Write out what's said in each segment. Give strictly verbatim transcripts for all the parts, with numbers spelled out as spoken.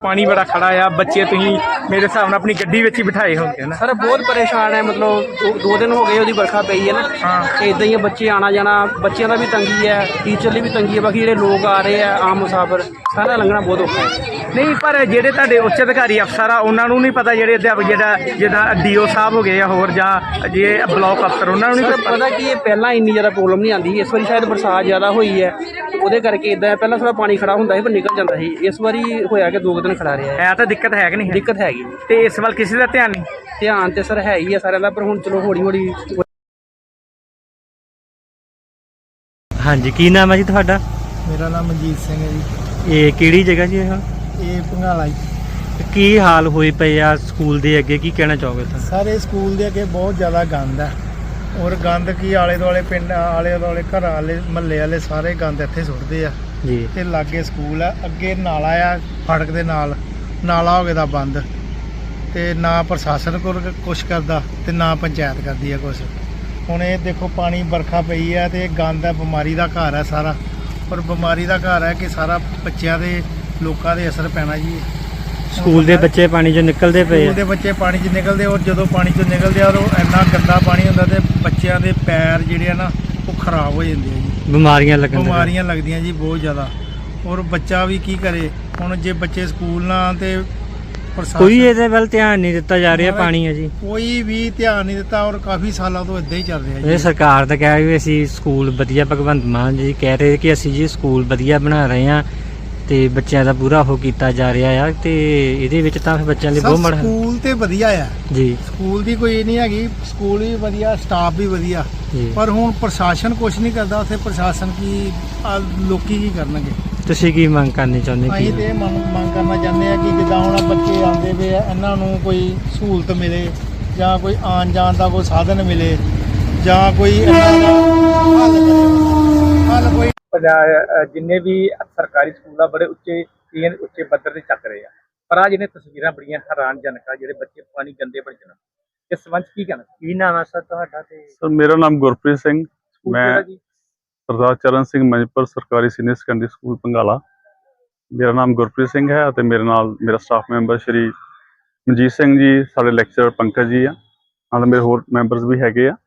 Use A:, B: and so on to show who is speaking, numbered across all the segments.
A: पानी बड़ा खड़ा आ, बच्चे तुम मेरे हिसाब से अपनी गड्डी विच ही बिठाए होंगे ना।
B: सर बहुत परेशान है, मतलब दो, दो दिन हो गए ਉਹਦੀ बरखा पई है ना।
A: हाँ
B: ਤੇ ਇਦਾਂ ਹੀ ਬੱਚੇ ਆਣਾ ਜਾਣਾ, ਬੱਚਿਆਂ ਦਾ ਵੀ ਤੰਗੀ ਹੈ, ਟੀਚਰ ਲਈ ਵੀ ਤੰਗੀ ਹੈ, ਬਾਕੀ ਜਿਹੜੇ ਲੋਕ ਆ ਰਹੇ ਆ ਆਮ ਮੁਸਾਫਰ ਸਾਰਾ ਲੰਘਣਾ ਬਹੁਤ ਔਖਾ ਹੈ।
A: नहीं पर ਜਿਹੜੇ ਤੁਹਾਡੇ ਉੱਚ ਅਧਿਕਾਰੀ ਅਫਸਰ ਆ ਉਹਨਾਂ ਨੂੰ ਨਹੀਂ ਪਤਾ, ਜਿਹੜੇ ਅਧਿਆਪਕ ਜਿਹੜਾ ਜਿੱਦਾਂ ਡੀਓ ਸਾਹਿਬ ਹੋ ਗਏ ਜਾਂ ਹੋਰ ਜਾਂ ਜੇ ਬਲਾਕ ਅਫਸਰ ਉਹਨਾਂ ਨੂੰ ਨਹੀਂ
B: ਸਰ ਪਤਾ ਕੀ ਇਹ ਪਹਿਲਾਂ ਇੰਨੀ ਜ਼ਿਆਦਾ ਪ੍ਰੋਬਲਮ ਨਹੀਂ ਆਉਂਦੀ, ਇਸ ਵਾਰੀ ਸ਼ਾਇਦ ਬਰਸਾਤ ਜ਼ਿਆਦਾ ਹੋਈ ਹੈ ਉਹਦੇ ਕਰਕੇ ਇਦਾਂ। ਪਹਿਲਾਂ ਥੋੜਾ ਪਾਣੀ ਖੜਾ ਹੁੰਦਾ ਸੀ ਪਰ ਨਿਕਲ ਜਾਂਦਾ ਸੀ, ਇਸ ਵਾਰੀ ਹੋਇਆ ਕਿ ਦੋ ਦਿਨ ਖੜਾ ਰਿਹਾ ਹੈ।
A: ਹੈ ਤਾਂ ਦਿੱਕਤ ਹੈ ਕਿ ਨਹੀਂ?
B: ਦਿੱਕਤ ਹੈਗੀ
A: ਤੇ ਇਸ ਵੱਲ ਕਿਸੇ ਦਾ ਧਿਆਨ ਨਹੀਂ?
B: ਧਿਆਨ ਤੇ ਸਰ ਹੈ ਹੀ ਹੈ ਸਾਰਿਆਂ ਦਾ, ਪਰ ਹੁਣ ਚਲੋ ਹੌਲੀ ਹੌਲੀ।
C: ਹਾਂਜੀ, ਕੀ ਨਾਮ ਹੈ ਜੀ ਤੁਹਾਡਾ?
D: ਮੇਰਾ ਨਾਮ ਮਨਜੀਤ ਸਿੰਘ ਹੈ ਜੀ।
C: ਇਹ ਕਿਹੜੀ ਜਗ੍ਹਾ ਜੀ? ਇਹ
D: ਇਹ ਭੰਗਾਲਾ ਜੀ।
C: ਕੀ ਹਾਲ ਹੋਏ ਪਏ ਆ ਸਕੂਲ ਦੇ ਅੱਗੇ, ਕੀ ਕਹਿਣਾ ਚਾਹੋਗੇ ਤੁਸੀਂ?
D: ਸਾਰੇ ਸਕੂਲ ਦੇ ਅੱਗੇ ਬਹੁਤ ਜ਼ਿਆਦਾ ਗੰਦ ਹੈ, ਔਰ ਗੰਦ ਕੀ ਆਲੇ ਦੁਆਲੇ ਪਿੰਡ ਆਲੇ ਦੁਆਲੇ ਘਰਾਂ ਵਾਲੇ ਮਹੱਲੇ ਵਾਲੇ ਸਾਰੇ ਗੰਦ ਇੱਥੇ ਸੁੱਟਦੇ ਆ
C: ਜੀ।
D: ਤੇ ਲਾਗੇ ਸਕੂਲ ਆ, ਅੱਗੇ ਨਾਲਾ ਆ ਫੜਕ ਦੇ ਨਾਲ, ਨਾਲਾ ਹੋ ਗਿਆ ਦਾ ਬੰਦ, ਤੇ ਨਾ ਪ੍ਰਸ਼ਾਸਨ ਕੋਲ ਕੁਛ ਕਰਦਾ ਤੇ ਨਾ ਪੰਚਾਇਤ ਕਰਦੀ ਆ ਕੁਛ। ਹੁਣ ਇਹ ਦੇਖੋ ਪਾਣੀ ਵਰਖਾ ਪਈ ਆ ਤੇ ਗੰਦ ਹੈ, ਬਿਮਾਰੀ ਦਾ ਘਰ ਹੈ ਸਾਰਾ, ਪਰ ਬਿਮਾਰੀ ਦਾ ਘਰ ਹੈ ਕਿ ਸਾਰਾ ਬੱਚਿਆਂ ਦੇ ਲੋਕਾਂ ਦੇ ਅਸਰ ਪੈਣਾ ਜੀ।
C: ਸਕੂਲ ਦੇ ਬੱਚੇ ਪਾਣੀ 'ਚੋਂ ਨਿਕਲਦੇ ਪਏ
D: ਸਕੂਲ ਦੇ ਬੱਚੇ ਪਾਣੀ 'ਚ ਨਿਕਲਦੇ, ਔਰ ਜਦੋਂ ਪਾਣੀ 'ਚੋਂ ਨਿਕਲਦੇ ਆ ਉਹ ਇੰਨਾ ਗੰਦਾ ਪਾਣੀ ਹੁੰਦਾ ਤੇ ਬੱਚਿਆਂ ਦੇ ਪੈਰ ਜਿਹੜੇ ਆ ਨਾ ਉਹ ਖਰਾਬ ਹੋ ਜਾਂਦੇ ਆ ਜੀ,
C: ਬਿਮਾਰੀਆਂ ਲੱਗਣ
D: ਬਿਮਾਰੀਆਂ ਲੱਗਦੀਆਂ ਜੀ ਬਹੁਤ ਜ਼ਿਆਦਾ। ਔਰ ਬੱਚਾ ਵੀ ਕੀ ਕਰੇ ਹੁਣ, ਜੇ ਬੱਚੇ ਸਕੂਲ ਨਾ ਆਉਣ ਤੇ ਪ੍ਰਸ਼ਾਸਨ
C: ਕੋਈ ਇਹਦੇ ਵੱਲ ਧਿਆਨ ਨਹੀਂ ਦਿੱਤਾ ਜਾ ਰਿਹਾ। ਪਾਣੀ ਹੈ ਜੀ,
D: ਕੋਈ ਵੀ ਧਿਆਨ ਨਹੀਂ ਦਿੱਤਾ, ਔਰ ਕਾਫੀ ਸਾਲਾਂ ਤੋਂ ਇਦਾਂ ਹੀ ਚੱਲ ਰਿਹਾ
C: ਇਹ
D: ਜੀ।
C: ਸਰਕਾਰ ਤਾਂ ਕਹਿ ਰਹੀ ਵੀ ਅਸੀਂ ਸਕੂਲ ਵਧੀਆ, ਭਗਵੰਤ ਮਾਨ ਜੀ ਕਹਿ ਰਹੇ ਕਿ ਅਸੀਂ ਜੀ ਸਕੂਲ ਵਧੀਆ ਬਣਾ ਰਹੇ ਹਾਂ ਤੇ ਬੱਚਿਆਂ ਦਾ ਪੂਰਾ ਉਹ ਕੀਤਾ ਜਾ ਰਿਹਾ ਆ, ਤੇ ਇਹਦੇ ਵਿੱਚ ਤਾਂ ਫਿਰ ਬੱਚਿਆਂ ਲਈ ਬਹੁਤ ਮਾੜਾ।
D: ਸਕੂਲ ਤੇ ਵਧੀਆ ਆ
C: ਜੀ,
D: ਸਕੂਲ ਦੀ ਕੋਈ ਨਹੀਂ ਹੈਗੀ, ਸਕੂਲ ਵੀ ਵਧੀਆ, ਸਟਾਫ ਵੀ ਵਧੀਆ,
C: ਜੀ।
D: ਪਰ ਹੁਣ ਪ੍ਰਸ਼ਾਸਨ ਕੁਝ ਨਹੀਂ ਕਰਦਾ ਉੱਥੇ। ਪ੍ਰਸ਼ਾਸਨ ਕੀ ਆਹ ਲੋਕੀ ਕੀ ਕਰਨਗੇ?
C: ਤੁਸੀਂ ਕੀ ਮੰਗ ਕਰਨੀ ਚਾਹੁੰਦੇ?
D: ਅਸੀਂ ਤੇ ਇਹ ਮੰਗ ਮੰਗ ਕਰਨਾ ਚਾਹੁੰਦੇ ਆ ਕਿ ਜਿੱਦਾਂ ਹੁਣ ਆਹ ਬੱਚੇ ਆਉਂਦੇ ਪਏ ਆ, ਇਹਨਾਂ ਨੂੰ ਕੋਈ ਸਹੂਲਤ ਮਿਲੇ, ਜਾਂ ਕੋਈ ਆਉਣ ਜਾਣ ਦਾ ਕੋਈ ਸਾਧਨ ਮਿਲੇ, ਜਾਂ ਕੋਈ ਇਹਨਾਂ ਦਾ ਹੱਲ ਕਰੇ, ਹੱਲ ਕੋਈ।
A: ਜਿੰਨੇ ਵੀ ਸਰਕਾਰੀ ਸਕੂਲ ਆ ਬੜੇ ਉੱਚੇ ਉੱਚੇ ਪੱਧਰ ਤੇ ਚੱਕ ਰਹੇ ਆ, ਪਰ ਆ ਜਿਹਨੇ ਤਸਵੀਰਾਂ ਬੜੀਆਂ ਹੈਰਾਨਜਨਕ ਆ, ਜਿਹੜੇ ਬੱਚੇ ਪਾਣੀ ਗੰਦੇ ਬਣ ਜਾਣ, ਇਸ ਸੰਬੰਧ ਕੀ ਕਹਿਣਾ? ਕੀ ਨਾਮ ਹੈ ਸਰ ਤੁਹਾਡਾ? ਤੇ
E: ਸਰ ਮੇਰਾ ਨਾਮ ਗੁਰਪ੍ਰੀਤ ਸਿੰਘ, ਮੈਂ
A: ਜੀ
E: ਸਰਦਾਰ ਚਰਨ ਸਿੰਘ ਮੰਜਪੁਰ ਸਰਕਾਰੀ ਸੀਨੀਅਰ ਸੈਕੰਡਰੀ ਸਕੂਲ ਭੰਗਾਲਾ। ਮੇਰਾ ਨਾਮ ਗੁਰਪ੍ਰੀਤ ਸਿੰਘ ਹੈ ਅਤੇ ਮੇਰੇ ਨਾਲ ਮੇਰਾ ਸਟਾਫ ਮੈਂਬਰ ਸ਼੍ਰੀ ਮਨਜੀਤ ਸਿੰਘ ਜੀ, ਸਾਡੇ ਲੈਕਚਰਰ ਪੰਕਜ ਜੀ ਆ, ਨਾਲ ਮੇਰੇ ਹੋਰ ਮੈਂਬਰਸ ਵੀ ਹੈਗੇ ਆ।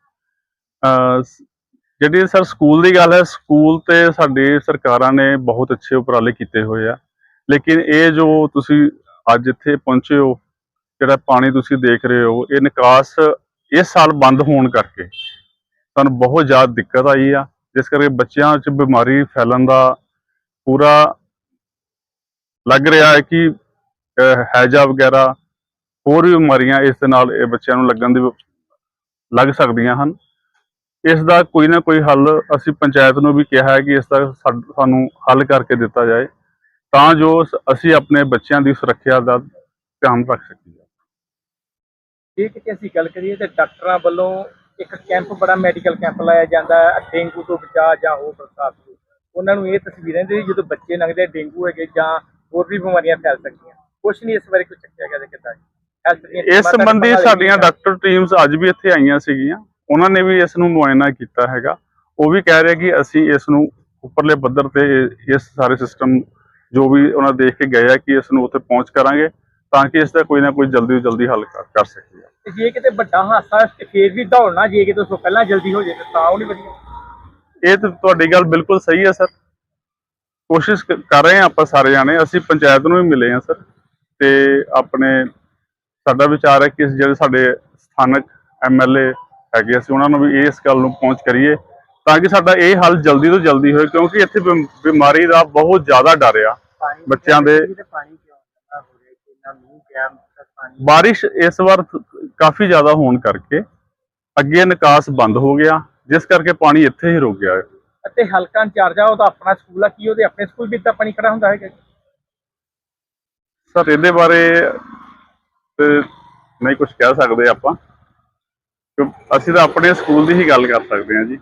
E: ਜਿਹੜੀ ਸਰ ਸਕੂਲ ਦੀ ਗੱਲ ਹੈ, ਸਕੂਲ ਤੇ ਸਾਡੀ ਸਰਕਾਰਾਂ ਨੇ ਬਹੁਤ ਅੱਛੇ ਉਪਰਾਲੇ ਕੀਤੇ ਹੋਏ ਆ, ਲੇਕਿਨ ਇਹ ਜੋ ਤੁਸੀਂ ਅੱਜ ਇੱਥੇ ਪਹੁੰਚੇ ਹੋ, ਜਿਹੜਾ ਪਾਣੀ ਤੁਸੀਂ ਦੇਖ ਰਹੇ ਹੋ, ਇਹ ਨਿਕਾਸ ਇਸ ਸਾਲ ਬੰਦ ਹੋਣ ਕਰਕੇ ਸਾਨੂੰ ਬਹੁਤ ਜ਼ਿਆਦਾ ਦਿੱਕਤ ਆਈ ਆ, ਜਿਸ ਕਰਕੇ ਬੱਚਿਆਂ 'ਚ ਬਿਮਾਰੀ ਫੈਲਣ ਦਾ ਪੂਰਾ ਲੱਗ ਰਿਹਾ ਹੈ ਕਿ ਹੈਜਾ ਵਗੈਰਾ ਹੋਰ ਵੀ ਬਿਮਾਰੀਆਂ ਇਸ ਦੇ ਨਾਲ ਇਹ ਬੱਚਿਆਂ ਨੂੰ ਲੱਗਣ ਦੀ ਲੱਗ ਸਕਦੀਆਂ ਹਨ। ਇਸ ਦਾ ਕੋਈ ਨਾ ਕੋਈ ਹੱਲ ਅਸੀਂ ਪੰਚਾਇਤ ਨੂੰ ਵੀ ਕਿਹਾ ਹੈ ਕਿ ਇਸ ਦਾ ਸਾਨੂੰ ਹੱਲ ਕਰਕੇ ਦਿੱਤਾ ਜਾਏ, ਤਾਂ ਜੋ ਅਸੀਂ ਆਪਣੇ ਬੱਚਿਆਂ ਦੀ ਸੁਰੱਖਿਆ ਦਾ ਧਿਆਨ ਰੱਖ ਸਕੀਏ।
A: ਜੇ ਕਿਤੇ ਅਸੀਂ ਗੱਲ ਕਰੀਏ ਤਾਂ ਡਾਕਟਰਾਂ ਵੱਲੋਂ ਇੱਕ ਕੈਂਪ, ਬੜਾ ਮੈਡੀਕਲ ਕੈਂਪ ਲਾਇਆ ਜਾਂਦਾ ਹੈ ਡੇਂਗੂ ਤੋਂ ਬਚਾਅ ਜਾਂ ਹੋਰ ਬਰਸਾਤ ਤੋਂ। ਉਹਨਾਂ ਨੂੰ ਇਹ ਤਸਵੀਰਾਂ ਦੇ ਜਦੋਂ ਬੱਚੇ ਲੰਘਦੇ ਡੇਂਗੂ ਹੈਗੇ ਜਾਂ ਹੋਰ ਵੀ ਬਿਮਾਰੀਆਂ ਫੈਲ ਸਕਦੀਆਂ, ਕੁਛ ਨਹੀਂ ਇਸ ਬਾਰੇ ਕੁਝ ਚੱਕਿਆ ਗਿਆ ਕਿੱਦਾਂ?
E: ਇਸ ਸੰਬੰਧੀ ਸਾਡੀਆਂ ਡਾਕਟਰ ਟੀਮਸ ਅੱਜ ਵੀ ਇੱਥੇ ਆਈਆਂ ਸੀਗੀਆਂ, ਉਹਨਾਂ ਨੇ ਵੀ ਇਸ ਨੂੰ ਮੁਆਇਨਾ ਕੀਤਾ ਹੈਗਾ। ਉਹ ਵੀ ਕਹਿ ਰਹੇ ਕਿ ਅਸੀਂ ਇਸ ਨੂੰ ਉੱਪਰਲੇ ਪੱਧਰ ਤੇ ਇਸ ਸਾਰੇ ਸਿਸਟਮ ਜੋ ਵੀ ਉਹਨਾਂ ਦੇਖ ਕੇ ਗਏ ਆ ਕਿ ਇਸ ਨੂੰ ਉੱਥੇ ਪਹੁੰਚ ਕਰਾਂਗੇ, ਤਾਂ ਕਿ ਇਸ ਦਾ ਕੋਈ ਨਾ ਕੋਈ ਜਲਦੀ ਤੋਂ ਜਲਦੀ ਹੱਲ ਕਰ ਸਕੀਏ।
A: ਜੇ ਕਿਤੇ ਵੱਡਾ ਹਾਦਸਾ ਫੇਰ ਵੀ ਦੌੜਨਾ, ਜੇ ਕਿਤੇ ਉਸ ਤੋਂ ਪਹਿਲਾਂ ਜਲਦੀ ਹੋ ਜਾਏ ਤਾਂ ਉਹ ਨਹੀਂ ਵਧੀਆ।
E: ਇਹ ਤਾਂ ਤੁਹਾਡੀ ਗੱਲ ਬਿਲਕੁਲ ਸਹੀ ਹੈ ਸਰ, ਕੋਸ਼ਿਸ਼ ਕਰ ਰਹੇ ਹਾਂ ਆਪਾਂ ਸਾਰੇ ਜਾਣੇ। ਅਸੀਂ ਪੰਚਾਇਤ ਨੂੰ ਵੀ ਮਿਲੇ ਹਾਂ ਸਰ, ਤੇ ਆਪਣੇ ਸਾਡਾ ਵਿਚਾਰ ਹੈ ਕਿ ਜਿਹੜੇ ਸਾਡੇ ਸਥਾਨਕ ਐਮ ਐਲ ਏ ਹੈਗੇ, ਅਸੀਂ ਉਹਨਾਂ ਨੂੰ ਵੀ ਇਸ ਗੱਲ ਨੂੰ ਪਹੁੰਚ ਕਰੀਏ ਤਾਂ ਕਿ ਸਾਡਾ ਇਹ ਹੱਲ ਜਲਦੀ ਤੋਂ ਜਲਦੀ ਹੋਏ, ਕਿਉਂਕਿ ਇੱਥੇ ਬਿਮਾਰੀ ਦਾ ਬਹੁਤ ਜ਼ਿਆਦਾ ਡਰ ਆ ਬੱਚਿਆਂ ਦੇ। ਬਾਰਿਸ਼ ਇਸ ਵਾਰ ਕਾਫੀ ਜ਼ਿਆਦਾ ਹੋਣ ਕਰਕੇ ਅੱਗੇ ਨਿਕਾਸ ਬੰਦ ਹੋ ਗਿਆ, ਜਿਸ ਕਰਕੇ ਪਾਣੀ ਇੱਥੇ ਹੀ ਰੁਕ ਗਿਆ।
A: ਅਤੇ ਹਲਕਾ ਇੰਚਾਰਜ ਆ, ਉਹ ਤਾਂ ਆਪਣਾ ਸਕੂਲ ਆ, ਕੀ ਉਹਦੇ ਆਪਣੇ ਸਕੂਲ ਵਿੱਚ ਤਾਂ ਪਾਣੀ ਖੜਾ ਹੁੰਦਾ ਹੈਗਾ?
E: ਸਰ ਇਹਦੇ ਬਾਰੇ ਤੇ ਨਹੀਂ ਕੁਝ ਕਹਿ ਸਕਦੇ ਆਪਾਂ, ਅਸੀਂ ਤਾਂ ਆਪਣੇ ਸਕੂਲ ਦੀ ਹੀ ਗੱਲ ਕਰ ਸਕਦੇ ਹਾਂ ਜੀ।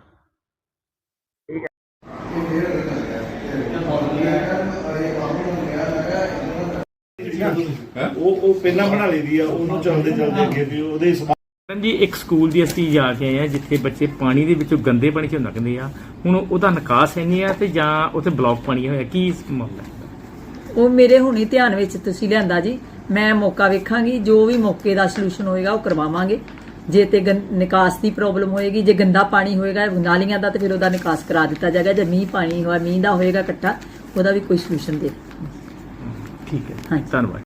F: ਉਹ ਉਹ ਪਹਿਲਾਂ ਬਣਾ ਲਈਦੀ ਆ, ਉਹਨੂੰ ਚੱਲਦੇ ਚੱਲਦੇ ਅੱਗੇ ਵੀ ਉਹਦੇ
A: ਜੀ ਇੱਕ ਸਕੂਲ ਦੀ ਅਸੀਂ ਜਾ ਕੇ ਆਏ ਆ ਜਿੱਥੇ ਬੱਚੇ ਪਾਣੀ ਦੇ ਵਿੱਚੋਂ ਗੰਦੇ ਪਾਣੀ ਚੋਂ ਲੰਘਦੇ ਆ, ਹੁਣ ਉਹਦਾ ਨਿਕਾਸ ਹੈ ਨਹੀਂ ਆ ਤੇ ਜਾਂ ਉੱਥੇ ਬਲੌਕ ਪਾਣੀ ਹੋਇਆ, ਕੀ ਮਾਮਲਾ?
G: ਉਹ ਮੇਰੇ ਹੁਣੀ ਧਿਆਨ ਵਿੱਚ ਤੁਸੀਂ ਲਿਆਂਦਾ ਜੀ। ਮੈਂ ਮੌਕਾ ਵੇਖਾਂਗੀ, ਜੋ ਵੀ ਮੌਕੇ ਦਾ ਸੋਲੂਸ਼ਨ ਹੋਏਗਾ ਉਹ ਕਰਵਾਵਾਂਗੇ। ਜੇ ਤੇ ਗੰ- ਨਿਕਾਸ ਦੀ ਪ੍ਰੋਬਲਮ ਹੋਏਗੀ, ਜੇ ਗੰਦਾ ਪਾਣੀ ਹੋਏਗਾ ਨਾਲੀਆਂ ਦਾ, ਤੇ ਫਿਰ ਉਹਦਾ ਨਿਕਾਸ ਕਰਾ ਦਿੱਤਾ ਜਾਏਗਾ। ਜੇ ਮੀਂਹ ਪਾਣੀ ਹੋਇਆ, ਮੀਂਹ ਦਾ ਹੋਏਗਾ ਇਕੱਠਾ, ਉਹਦਾ ਵੀ ਕੋਈ ਸੋਲੂਸ਼ਨ ਦੇ।
A: ਠੀਕ ਹੈ,
G: ਹਾਂਜੀ।
A: ਧੰਨਵਾਦ।